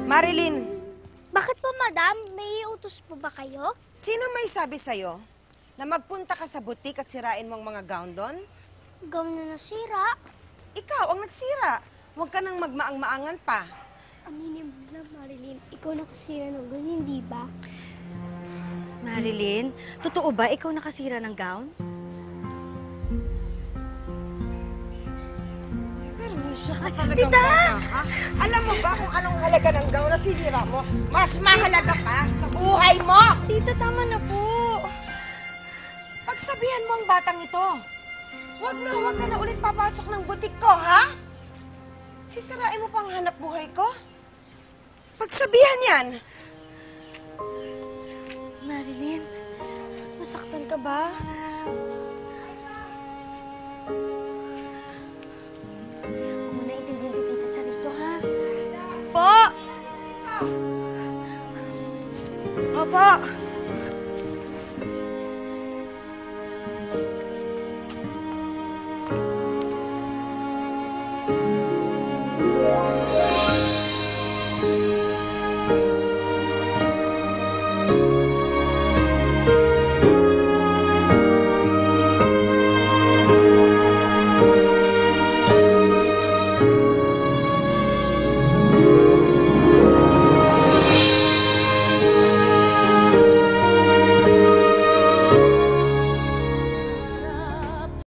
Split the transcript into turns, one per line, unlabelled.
Marilyn,
Bakit po, madam? May utos po ba kayo?
sino may sabi sa'yo na magpunta ka sa butik at sirain mo ang mga gown doon?
Gown na nasira.
Ikaw ang nagsira. Huwag ka nang magmaang-maangan pa.
Aminin mo na, Marilyn. Ikaw nakasira ng gown, hindi ba?
Marilyn, totoo ba ikaw nakasira ng gown?
Permisya ka talagang bata, ha? Alam mo ba kung anong halaga ng gown na sinira mo? Mas mahalaga pa sa buhay mo!
Tita, tama na po.
Pagsabihan mo ang batang ito. Huwag ka na ulit papasok ng butik ko, ha? Sisirain mo pang hanap buhay ko? Pagsabihan yan!
Marilyn, nasaktan ka ba? Huwag mo naintindihan si Tita Charito, ha? Po! Opo!